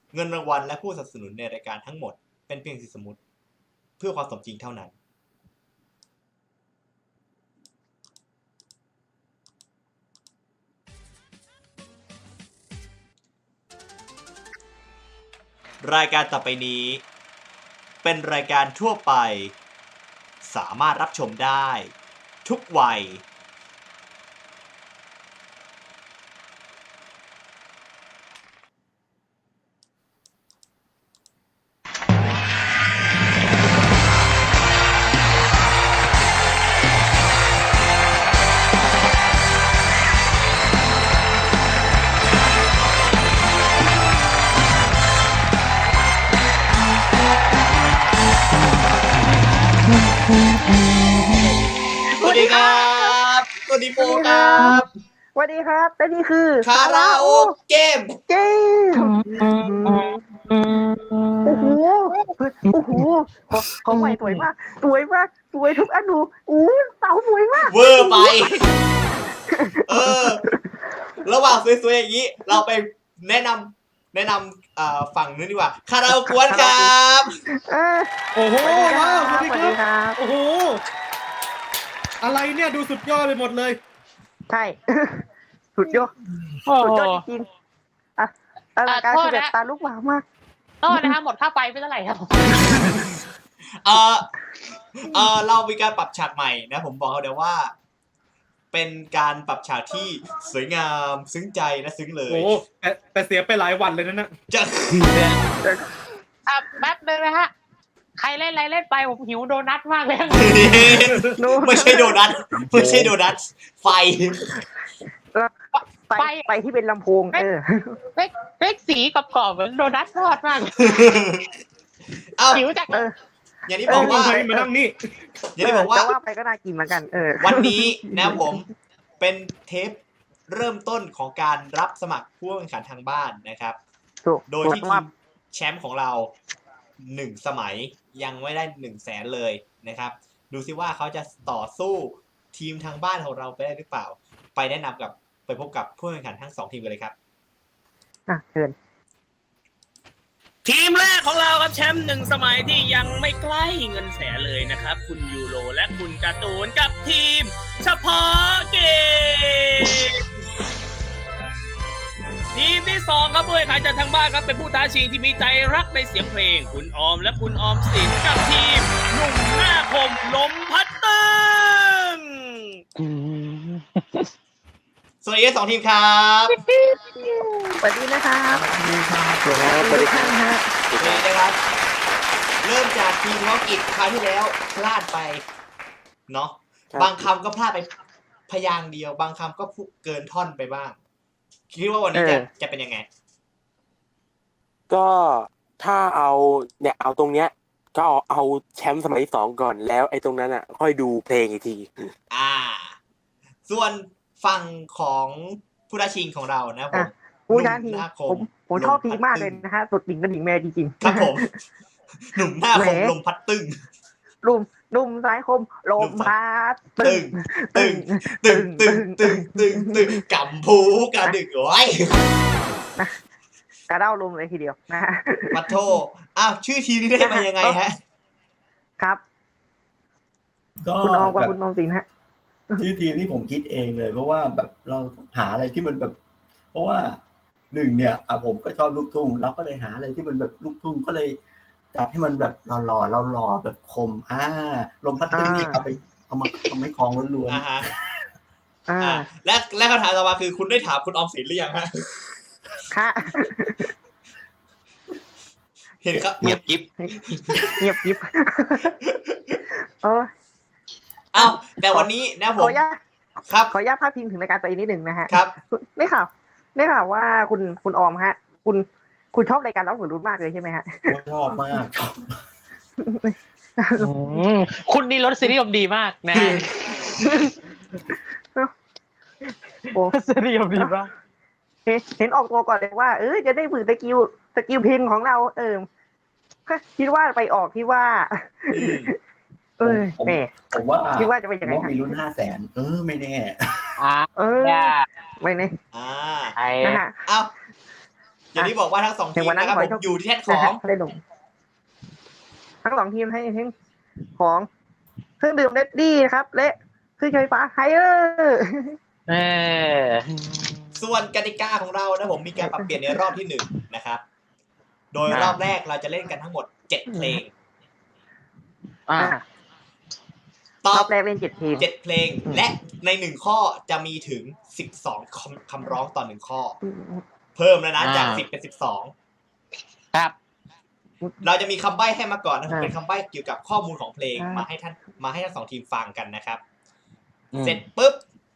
เงินรางวัลและผู้สนับสนุนในรายการทั้งหมดเป็นเพียงสิ่งสมมุติเพื่อความสมจริงเท่านั้นรายการต่อไปนี้เป็นรายการทั่วไปสามารถรับชมได้ทุกวัยสวัสดีครับสวัสดีโปครับสวัสดีครับและนี่คือคาราโอเกมโอ้โหของใหม่สวยมากสวยทุกอนุเสาสวยมากเวอร์ไประหว่างสวยๆอย่างนี้เราไปแนะนำฝั่งนู้นดีกว่าคาราโอเกะครับโอ้โหว้าวสวัสดีสวัสดีครับโอ้โหอะไรเนี่ยดูสุดยอดไปหมดเลยใช่สุดยอดจริงๆอลังการคือแบบตาลุกวาวมากนะคะหมดค่าไฟไปเท่าไหร่ครับเรามีการปรับฉากใหม่นะผมบอกเขาเดี๋ยวว่าเป็นการปรับฉากที่สวยงามซึ้งใจและซึ้งเลยโอ้แต่เสียไปหลายวันเลยนะจะแป๊บนึงนะฮะใครเล่นอะไรเล่นไปผมหิวโดนัทมากเลยไม่ใช่โดนัทไฟที่เป็นลำโพงเล็กสีกรอบๆเหมือนโดนัททอดมากหิวจังอย่างที่บอกว่ามานั่งนี่อย่างที่บอกว่าไปก็น่ากินเหมือนกันวันนี้นะผมเป็นเทปเริ่มต้นของการรับสมัครผู้แข่งขันทางบ้านนะครับโดยที่ทีมแชมป์ของเรา1 สมัยยังไม่ได้100,000เลยนะครับดูซิว่าเขาจะต่อสู้ทีมทางบ้านของเราไปได้หรือเปล่าไปพบกับผู้แข่งขันทั้ง2ทีมกันเลยครับเชิญทีมแรกของเราครับแชมป์1 สมัยที่ยังไม่ใกล้เงินแสนเลยนะครับคุณยูโรและคุณการ์ตูนกับทีมเฉพาะเกมทีมที่2ครับผู้แข่งขันจากทางบ้านครับเป็นผู้ท้าชิงที่มีใจรักในเสียงเพลงคุณออมและคุณออมสินกับทีมหนุ่มหน้าคมลมพัดตึงสวัสดี2 ทีมครับสวัสดีนะครับสวัสดีครับเริ่มจากทีมธุรกิจคราวที่แล้วพลาดไปเนาะบางคำก็พลาดไปพยางค์เดียวบางคำก็เกินท่อนไปบ้างคิดว่าวันนี้จะเป็นยังไงก็ถ้าเอาตรงเนี้ยก็เอาแชมป์สมัยที่2ก่อนแล้วไอ้ตรงนั้นอ่ะค่อยดูเพลงอีกทีส่วนฝั่งของผู้ท้าชิงของเรานะผมผู้ท้าชิงผมชอบทีมากเลยนะฮะสุดดิ่งกันดิ่งแม่จริงๆครับผมหนุ่มหน้าคมลมพัดตึงนุ่มซ้ายคมลมพัดตึงกำพูกระดึกไว้กระเด้าลมเลยทีเดียวนะฮะปัทโธชื่อทีมนี้ได้มายังไงฮะครับคุณออมกับคุณออมสินฮะชื่อทีมนี่ผมคิดเองเลยเพราะว่าแบบเราหาอะไรที่มันแบบเพราะว่า1เนี่ยผมก็ชอบลูกทุ่งเราก็เลยหาอะไรที่มันแบบลูกทุ่งก็เลยจับให้มันแบบหล่อแบบคมลมพัดตึ้งนี่เอามาทำให้คลองล้วนและคำถามต่อมาคือคุณได้ถามคุณออมสินหรือยังฮะค่ะเห็นครับเงียบกิ๊บแต่วันนี้นะผมขออนุญาตพาดพิงถึงรายการตัวเองนิดนึงนะฮะครับได้ข่าวว่าคุณออมฮะคุณชอบรายการเล่าหัวรุ่นมากเลยใช่ไหมฮะชอบมากคุณนี่รสนิยมดีมากนะรสนิยมดีมากเห็นออกตัวก่อนเลยว่าจะได้ฝึกสกิลเพลงของเราคิดว่าไปออกที่ว่าผมว่าคิดว่าจะเป็นยังไงมีรุ่น500,000ไม่แน่ไม่แน่เอาอย่างที่บอกว่าทั้งสองทีมนะครับผมอยู่ที่แท่นของได้ลงทั้งสองทีมให้ทั้งของเครื่องดื่มเรดดี้ครับ และเครื่องใช้ไฟฟ้าไฮเออร์ส่วนกติกาของเรานะผมมีการปรับเปลี่ยนในรอบที่1นะครับโดยรอบแรกเราจะเล่นกันทั้งหมด7เพลงตรออบบแรกเล่น7 เพลง 7เพลงและใน1ข้อจะมีถึง12คำร้องต่อ1ข้อเพิ่มแล้วนะจาก10เป็น12 ครับเราจะมีคำใบ้ให้มาก่อนนะเป็นคำใบ้เกี่ยวกับข้อมูลของเพลงมาให้ทั้งสองทีมฟังกันนะครับเสร็จปุ๊บ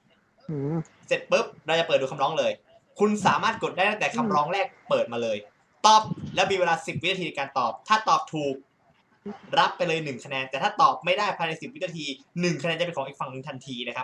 เราจะเปิดดูคำร้องเลยคุณสามารถกดได้ตั้งแต่คำร้องแรกเปิดมาเลยตอบแล้วมีเวลา10 วินาทีในการตอบถ้าตอบถูกรับไปเลย1คะแนนแต่ถ้าตอบไม่ได้ภายใน10 วินาที1คะแนนจะเป็นของอีกฝั่งหนึ่งทันทีนะครับ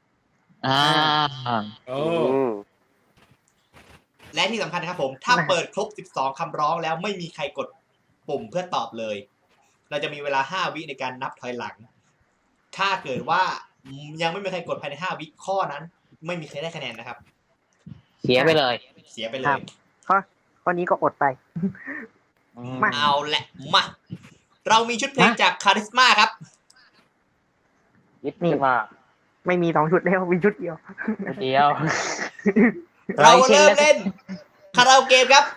และที่สำคัญนะครับผมถ้าเปิดครบ12คำร้องแล้วไม่มีใครกดปุ่มเพื่อตอบเลยเราจะมีเวลา5 วิในการนับถอยหลังถ้าเกิดว่ายังไม่มีใครกดภายใน5 วิข้อนั้นไม่มีใครได้คะแนนนะครับเสียไปเลยข้อนี้ก็อดไปเอาแหละมาเรามีชุดเพลงจากคาริสมาครับนี่ว่าไม่มี2 ชุดแล้วมีชุดเดียวเราเริ่มเล่นคาราโอเกะครับ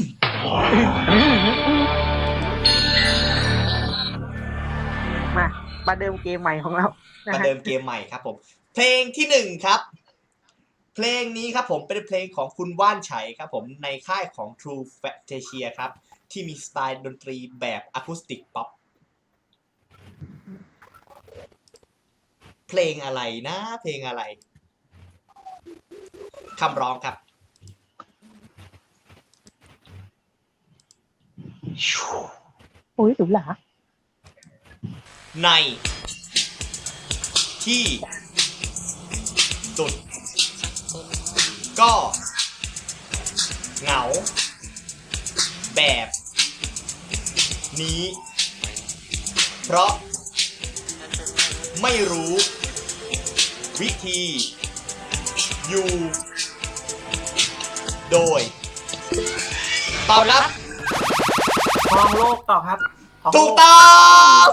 มาเดิมเกมใหม่ของเรามาเดิมเกมใหม่ครับผมเพลงที่1ครับเพลงนี้ครับผมเป็นเพลงของคุณว่านไฉครับผมในค่ายของ True Fantasia ครับที่มีสไตล์ดนตรีแบบอะคูสติกป๊อปเพลงอะไรนะเพลงอะไรคำร้องครับโอ้ยหรูหราในที่สุดก็เหงาแบบนี้เพราะไม่รู้วิธีอยู่โดยตอบรับครองโลกต่อครับถูกต้อง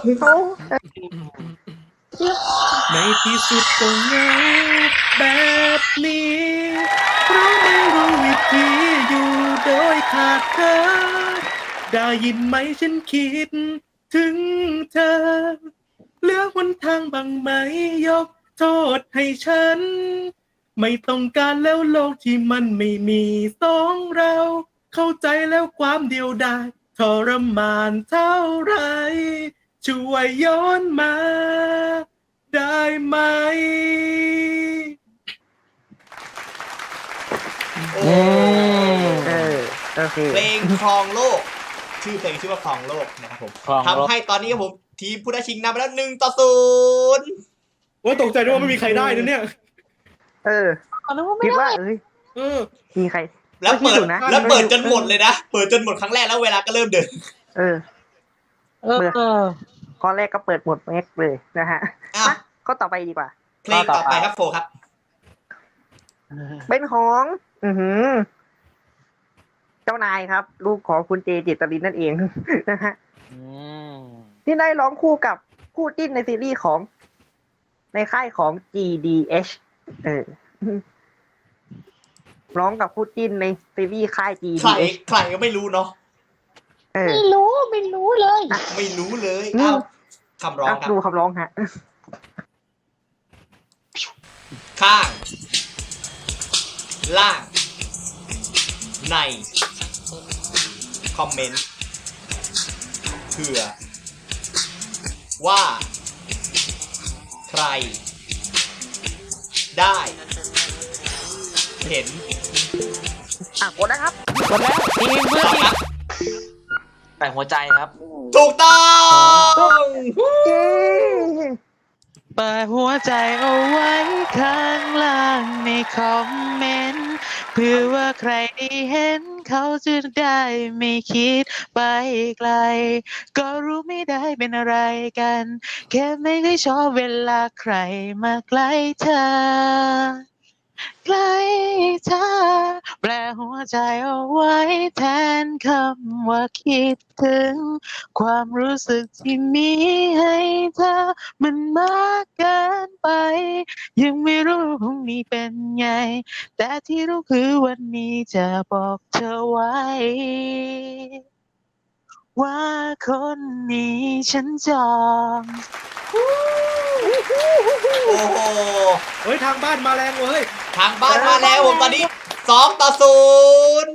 ในที่สุดก็เหงาแบบนี้เพราะไม่รู้วิธีอยู่โดยขาดเธอได้ยินไหมฉันคิดถึงเธอเหลือหนทางบ้างไหมยกโทษให้ฉันไม่ต้องการแล้วโลกที่มันไม่มีสองเราเข้าใจแล้วความเดียวดายทรมานเท่าไรช่วยย้อนมาได้ไหมโอเคเพลงครองโลกชื่อเพลงชื่อว่าครองโลกนะครับผมทำให้ตอนนี้ผมทีมผู้ได้ชิงนำไปแล้ว1-0 ว่าตกใจด้วยว่าไม่มีใครได้นะเนี่ยคิดว่ามีใครแล้วเปิดจนหมดเลยนะเปิดจนหมดครั้งแรกแล้วเวลาก็เริ่มเดินข้อแรกก็เปิดหมดแม็กเลยนะฮะข้อต่อไปดีกว่าเพลงต่อไปครับโฟครับเป็นของเจ้านายครับลูกของคุณเจเจตรินนั่นเองนะฮะที่ได้ร้องคู่กับคู่จิ้นในซีรีส์ของในค่ายของ GDH ร้องกับคู่จิ้นในซีรีส์ค่าย GDH ใครก็ไม่รู้เนาะไม่รู้เลยไม่รู้เลยคำร้องครับดูคำร้องฮะข้างล่างในคอมเมนต์เผื่อว่าใครได้เห็นกดนะครับกดแล้วทีมเพื่อนแต่หัวใจครับถูกต้องเปิดหัวใจเอาไว้ข้างล่างในคอมเมนต์เพื่อว่าใครได้เห็นเขาจะได้ไม่คิดไปไกลก็รู้ไม่ได้เป็นอะไรกันแค่ไม่เคยชอบเวลาใครมาใกล้เธอใกล้เธอแปลหัวใจเอาไว้แทนคำว่าคิดถึงความรู้สึกที่มีให้เธอมันมากเกินไปยังไม่รู้พรุ่งนี้เป็นไงแต่ที่รู้คือวันนี้จะบอกเธอไว้ว่าคนนี้ฉันจองโอ้โหเฮ้ยทางบ้านมาแรงเว้ยทางบ้านมาแล้วผมตอนนี้2-0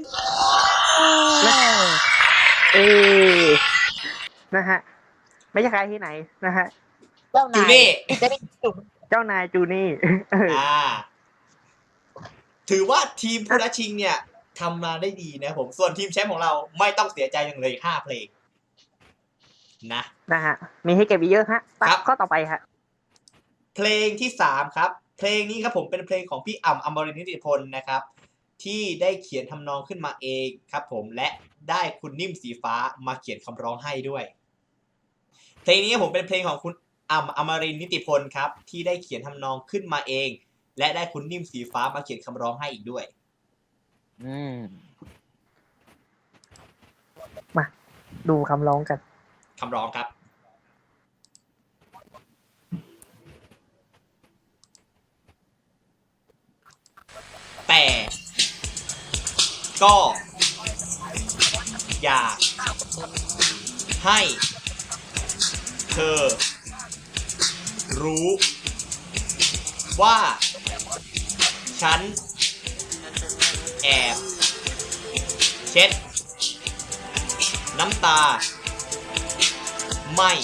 นะฮะไม่ใช่ใครที่ไหนนะฮะจูนี่เจ้านายจูนี่ถือว่าทีมผู้ท้าชิงเนี่ยทำมาได้ดีนะผมส่วนทีมแชมป์ของเราไม่ต้องเสียใจอย่างเลย5เพลงนะฮะมีให้เก็บอีกเยอะฮะครับข้อต่อไปฮะเพลงที่3ครับเพลงนี้ครับผมเป็นเพลงของพี่อ่ำอมรินทร์นิติพลนะครับที่ได้เขียนทำนองขึ้นมาเองครับผมและได้คุณนิ่มสีฟ้ามาเขียนคำร้องให้ด้วยเพลงนี้ผมเป็นเพลงของคุณอ่ำอมรินทร์นิติพลครับที่ได้เขียนทำนองขึ้นมาเองและได้คุณนิ่มสีฟ้ามาเขียนคำร้องให้อีกด้วยมาดูคำร้องกันคำร้องครับแต่ก็อยากให้เธอรู้ว่าฉันแอบเช็ดน้ำตาไม่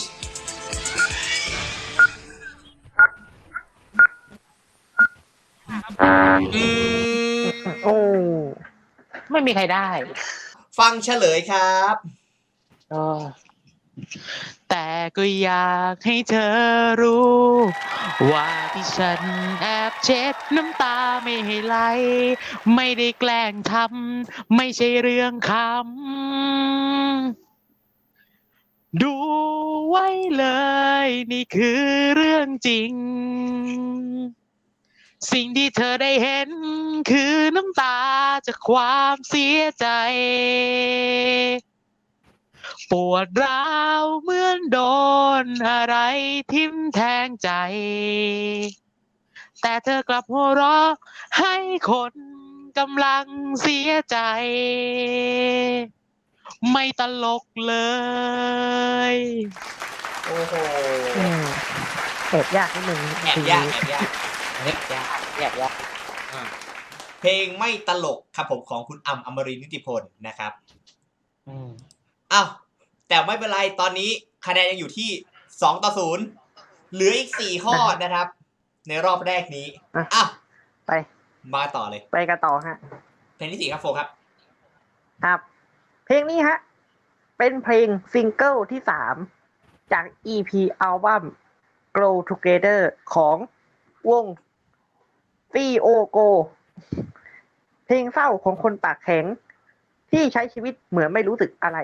โอ้ไม่มีใครได้ฟังเฉลยครับแต่ก็อยากให้เธอรู้ว่าที่ฉันแอบเช็ดน้ำตาไม่ให้ไหลไม่ได้แกล้งทำไม่ใช่เรื่องคำดูไว้เลยนี่คือเรื่องจริงสิ่งที่เธอได้เห็นคือน้ำตาจากความเสียใจปวดร้าวเหมือนโดนอะไรทิ่มแทงใจแต่เธอกลับหัวเราะให้คนกำลังเสียใจไม่ตลกเลยโอ้โหแอบยากนิดนึงแอบยากเพลงไม่ตลกครับผมของคุณอ่ำอมรินทร์นิติพลนะครับอ้าวแต่ไม่เป็นไรตอนนี้คะแนนยังอยู่ที่2-0เหลืออีก4ข้อนะครับในรอบแรกนี้อ้าวไปมาต่อเลยไปกันต่อฮะเพลงที่4ครับโฟครับครับเพลงนี้ฮะเป็นเพลงซิงเกิลที่3จาก EP อัลบั้ม Grow Together ของวง COGO เพลงเศร้าของคนปากแข็งที่ใช้ชีวิตเหมือนไม่รู้สึกอะไร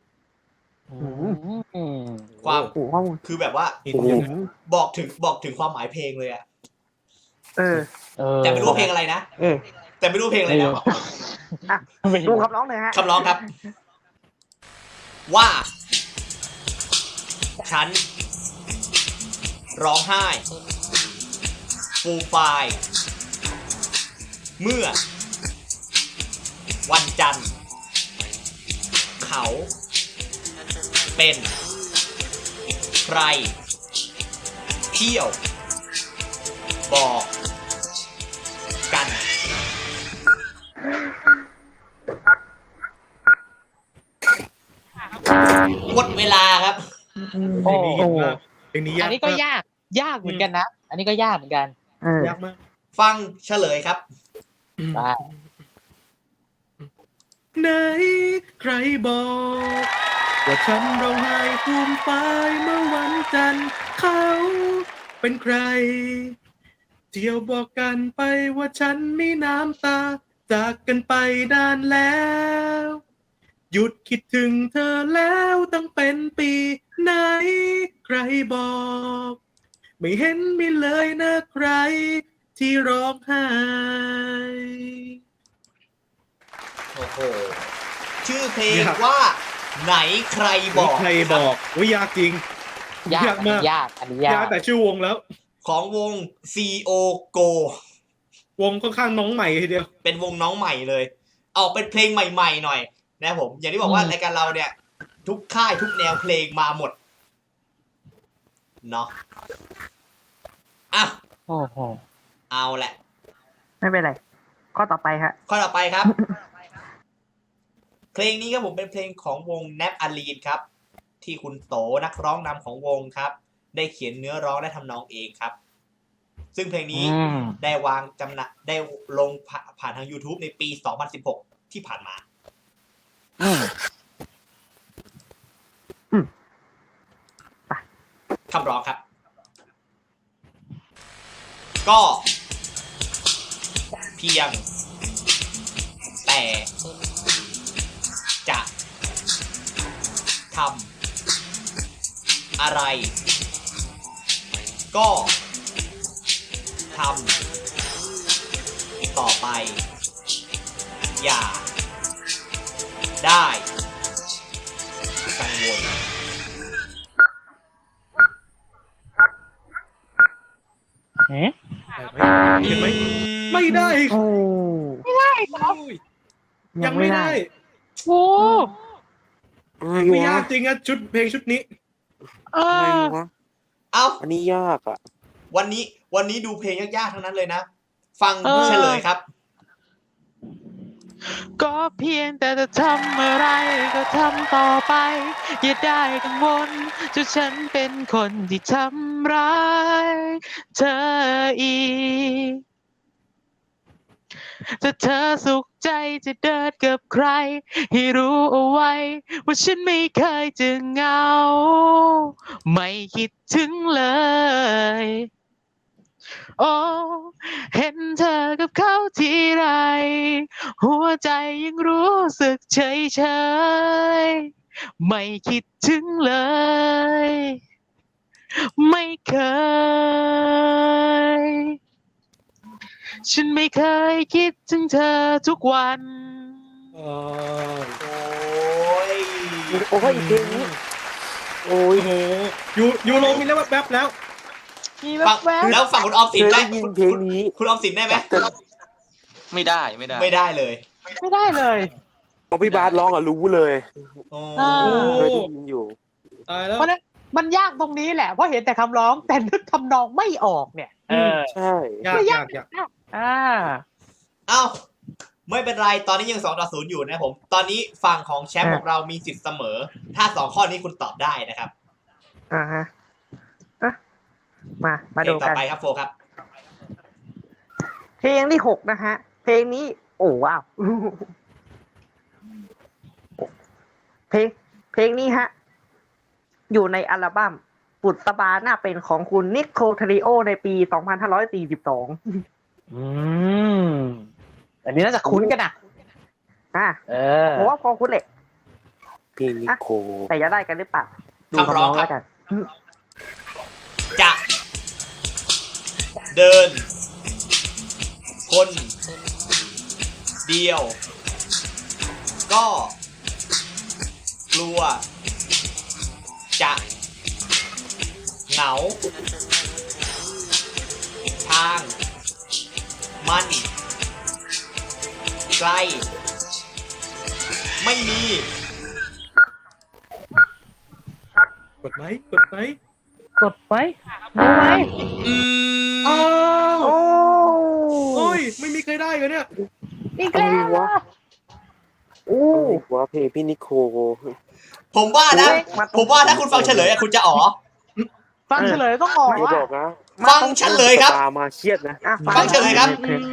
ความคือแบบว่าบอกถึงความหมายเพลงเลยอะแต่ไม่รู้เพลงอะไรนะแต่ไม่รู้เพลงอะไรนะดูคำร้องเลยฮะคำร้องครับว่าฉันร้องไห้ฟูมฟายเมื่อวันจันทร์เขาเป็นใครเที่ยวบอกกันหมดเวลาครับเพลงนี้อันนี้ก็ยากเหมือนกันนะอันนี้ก็ยากเหมือนกันยากมากฟังเฉลยครับไหนใครบอกว่าฉันร้องไห้ฟูมฟายเมื่อวันจันทร์เขาเป็นใครเที่ยวบอกกันไปว่าฉันมีน้ำตาจากกันไปนานแล้วหยุดคิดถึงเธอแล้วตั้งเป็นปีไหนใครบอกไม่เห็นมีเลยนะใครที่ร้องไห้โอ้โหชื่อเพลงว่าไหนใครบอกใครบอกว่ายากจริงยากมากยากอันนี้ยายากกแต่ชื่อวงแล้วของวง CO Go วงค่อนข้างน้องใหม่ทีเดียวเป็นวงน้องใหม่เลยออกเป็นเพลงใหม่ๆหน่อยนะครับผม อย่างที่บอกว่ารายการเราเนี่ย ทุกค่ายทุกแนวเพลงมาหมดเนาะอ่ะโอ้โหเอาแหละไม่เป็นไร ข้อต่อไปฮะข้อต่อไปครับ เพลงนี้ครับผมเป็นเพลงของวง Nap Aline ครับ ที่คุณโตนักร้องนำของวงครับ ได้เขียนเนื้อร้องและทำนองเองครับ ซึ่งเพลงนี้ได้วางจำหน่ายได้ลงผ่านทาง YouTube ในปี 2016 ที่ผ่านมาคำร้องครับ ก็เพียงแต่จะทำอะไรก็ทำต่อไปอย่าได้กังวลเห็นไหมไม่ได้โอ้ยังไม่ได้โอ้ไม่ยากจริงอะชุดเพลงชุดนี้เออะไรอวะเอ้าอันนี้ยากอ่ะวันนี้ดูเพลงยากๆทั้งนั้นเลยนะ ฟังเฉลยครับก็เพียงแต่จะทำอะไรก็ทำต่อไป อย่าได้กังวลจนฉันเป็นคนที่ทำร้ายเธออีกถ้าเธอสุขใจจะเดินกับใคร ให้รู้เอาไว้ว่าฉันไม่เคยจะเหงา ไม่คิดถึงเลย โอ้เห็นเธอกับเขาทีไร หัวใจยังรู้สึกเฉยๆไม่คิดถึงเลย ไม่เคย ฉันไม่เคยคิดถึงเธอทุกวันโอ้ยโอ้ยเพลงนี้โอ้ยโอ้โหยูโรมีแล้วแป๊บแล้วมีฟังแว๊บแล้วฝั่งคุณออมเคสินยได้ได้ยินเพลงนี้คุณออมสินได้ไหมไม่ได้ไม่ได้เลยไม่ได้เลยพอพี่บาสร้องอ่ะรู้เลยโอ้อ่าเคยได้ยินอยู่ตายแล้วเพราะฉะนั้นมันยากตรงนี้แหละ เพราะเห็นแต่คำร้องแต่นึกทำนองไม่ออกเนี่ยใช่ยากอ่าเอ้าไม่เป็นไรตอนนี้ยัง2-0อยู่นะผม ตอนนี้ฝั่งของแชมป์ของเรามีสิทธิ์เสมอ ถ้า2ข้อนี้คุณตอบได้นะครับอ่าฮะอ่ะมาเพลดูงต่อกันไปครับโฟครับเพลงที่ 6 นะฮะ เพลงนี้ โอ้ว้าว เพลงนี้ฮะ อยู่ในอัลบั้มบุษบาหน้าเป็นของคุณนิโคล เทริโอในปี 2542 อันนี้น่าจะคุ้นกันนะอ่ะเออผมว่าพอคุ้นแหละพี่นิโคแต่จะได้กันหรือเปล่า ดูคำร้องครับแล้วกันจะเดินคนเดียว ก็กลัวจะเหงา ทางมันไกลไม่มีกดไหมกดไว้ดูไหมอ้าวโอ้โอ้ยไม่มีใครได้เลยเนี่ยอีกแล้วเหรอโอ้อะไรวะเพลงพี่นิโคผมว่านะมาตรงผมว่าถ้าคุณฟังเฉลยอะคุณจะอ๋อฟังเฉลยต้องออกอย่าว่าบอกนะฟังเฉลยครับตามาเครียดนะอ่ะฟังเฉลยครับ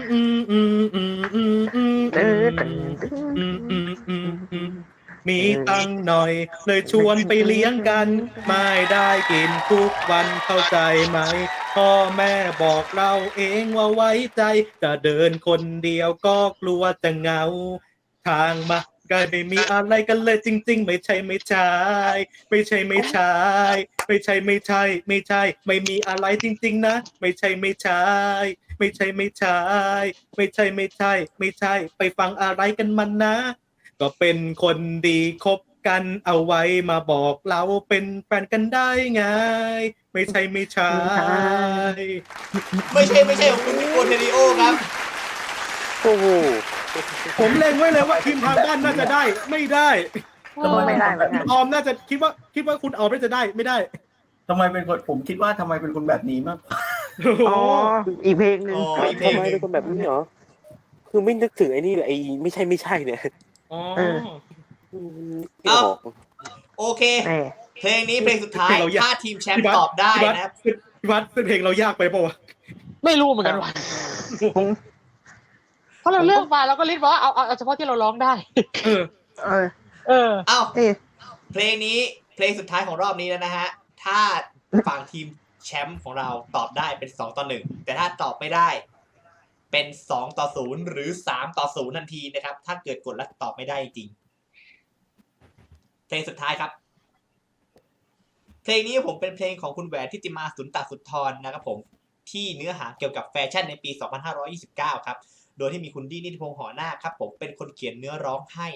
มีตังค์หน่อยเลยชวนไปเลี้ยงกัน ไม่ได้กินทุกวันเข้าใจไหม พ่อแม่บอกเราเองว่าไว้ใจ จะเดินคนเดียวก็กลัวจะเหงา ทางมากายไม่มีอะไรกันเลยจริงๆไม่ใช่ไม่ใช่ไม่ใช่ไม่ใช่ไม่ใช่ไม่ใช่ไม่ใช่ไม่มีอะไรจริงๆนะไม่ใช่ไม่ใช่ไม่ใช่ไม่ใช่ไม่ใช่ไม่ใช่ไม่ใช่ไปฟังอะไรกันมันนะก็เป็นคนดีคบกันเอาไว้มาบอกเราเป็นแฟนกันได้ไงไม่ใช่ไม่ใช่ไม่ใช่ของคุณนิโคเทริโอครับโอ้โหผมเล็งไว้เลยว่าทีมทางบ้านน่าจะได้ไม่ได้ไม่ได้เหมือนคุกันณออมน่าจะคิดว่าคุณออมน่าจะได้ไม่ได้ทำไมเป็นคนผมคิดว่าทำไมเป็นคนแบบนี้มากกว่าอ๋ออีกเพลงหนึ่งอ๋อ อีกเพลทำงไมหนึ่งเป็นคนแบบนี้เหรอคือไม่นึกถึงไอ้นี่เลยไอ้ไม่ใช่เนี่ยอ๋อไม่ออกโอเคแหมเพลงนี้เพลงสุดท้ายเราอยากถ้าทีมแชมป์ตอบได้นะครับพี่วัดเป็นเพลงเรายากไปป่าวะไม่รู้เหมือนกันว่ะผมเพราะเราเลือกมาเราก็ลิสต์ว่าเอาเฉพาะที่เราร้องได้เออเออเออเอ้าเอ๊ะเพลงนี้เพลงสุดท้ายของรอบนี้แล้วนะฮะ ถ้าฝั่งทีมแชมป์ของเราตอบได้เป็น2-1แต่ถ้าตอบไม่ได้เป็น2-0หรือ3-0ทันทีนะครับถ้าเกิดกดแล้วตอบไม่ได้จริงเพลงสุดท้ายครับเพลงนี้ผมเป็นเพลงของคุณแหวนทิติมาสุนตสุนทรนะครับผมที่เนื้อหาเกี่ยวกับแฟชั่นในปี 2529 ครับโดยที่มีคุณดี้นิติพงษ์หอหน้าครับผมเป็นคนเขียนเนื้อร้องให้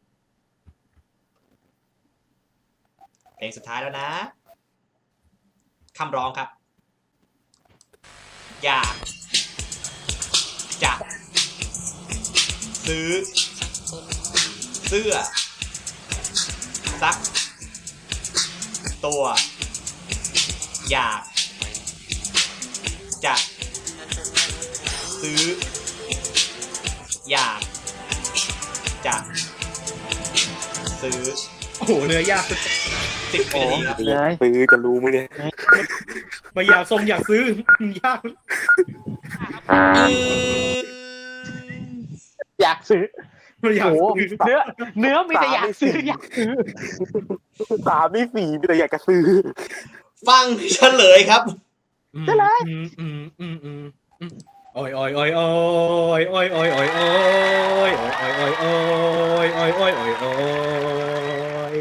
เพลงสุดท้ายแล้วนะคำร้องครับอยากจะซื้อเสื้อสักตัวอยากจะซื้ออยากจะซื้อโอ้โหเนื้อยากสุด 10 วินาทีครับซื้อจะรู้ไหมเนี่ยมาอยากทรงอยากซื้อยากอยากซื้อมาอยากโอ้โหซื้อเนื้อมีแต่อยากซื้ออยากซื้อ 3นี่4มีแต่อยากจะซื้อฟังเฉลยครับจะไรโอ้ยโอ้ยโอ้ยโอ้ยโอ้ยโอ้ยโอ้ยโอ้ยโอ้ยโอ้ยโอ้ยโอ้ยโอ้ยโอ้ยโอ้ยโอ้ย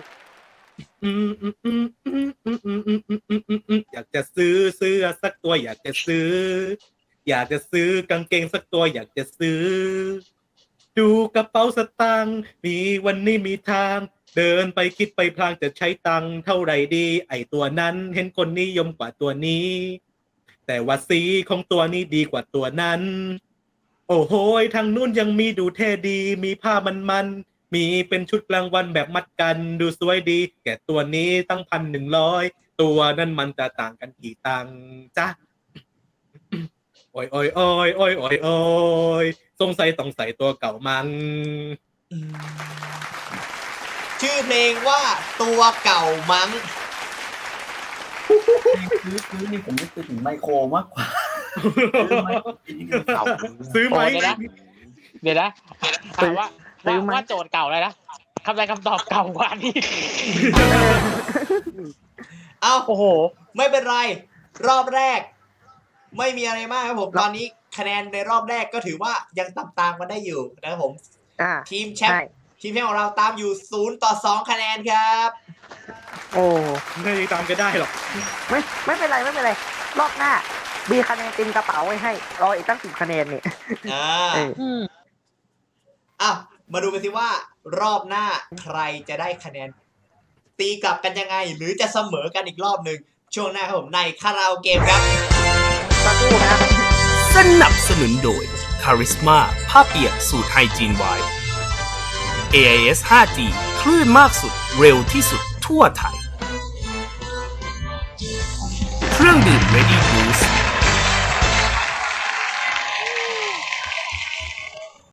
อยากจะซื้อเสื้อสักตัวอยากจะซื้อกางเกงสักตัวอยากจะซื้อดูกระเป๋าสตางค์มีวันนี้มีทางเดินไปคิดไปพลางจะใช้ตังค์เท่าไหร่ดีไอตัวนั้นเห็นคนนิยมกว่าตัวนี้แต่ว่าสีของตัวนี้ดีกว่าตัวนั้นโอ้โหทางนู้นยังมีดูเท่ดีมีผ้ามันมีเป็นชุดกลางวันแบบมัดกันดูสวยดีแก่ตัวนี้ตั้ง1,100ตัวนั้นมันจะต่างกันกี่ตังค์จ๊ะโอ้ยโอ้ยโอ้ยโอ้ยโอ้ยโอ้ยสงสัยต้องใส่ตัวเก่ามันชื่อเพลงว่าตัวเก่ามั้งซื้อนี่ผมนึกถึงไมโครมากกว่าซื้อไมโครซื้อไหมเดี๋ยวนะถามว่าโจทย์เก่าเลยนะคำใดคำตอบเก่ากว่านี้เอ้าโอ้โหไม่เป็นไร รอบแรก ไม่มีอะไรมากครับผมตอนนี้คะแนนในรอบแรกก็ถือว่ายังตามกันได้อยู่นะครับผม ทีมแชมป์ของเราตามอยู่0-2คะแนนครับโอ้ไม่ได้ตามกันได้หรอกไม่เป็นไรรอบหน้ามีคะแนนเต็มกระเป๋าไว้ให้รออีกตั้ง10 คะแนนนี่มาดูกันสิว่ารอบหน้าใครจะได้คะแนนตีกลับกันยังไง หรือจะเสมอกันอีกรอบหนึ่งช่วงหน้าครับผมในคาราโอเกมครับสักครู่นะสนับสนุนโดย Charisma ผ้าเปียกสูตรไฮจีนไวท์ AIS 5G คลื่นมากสุดเร็วที่สุดทั่วไทย เครื่องดื่ม Ready Brew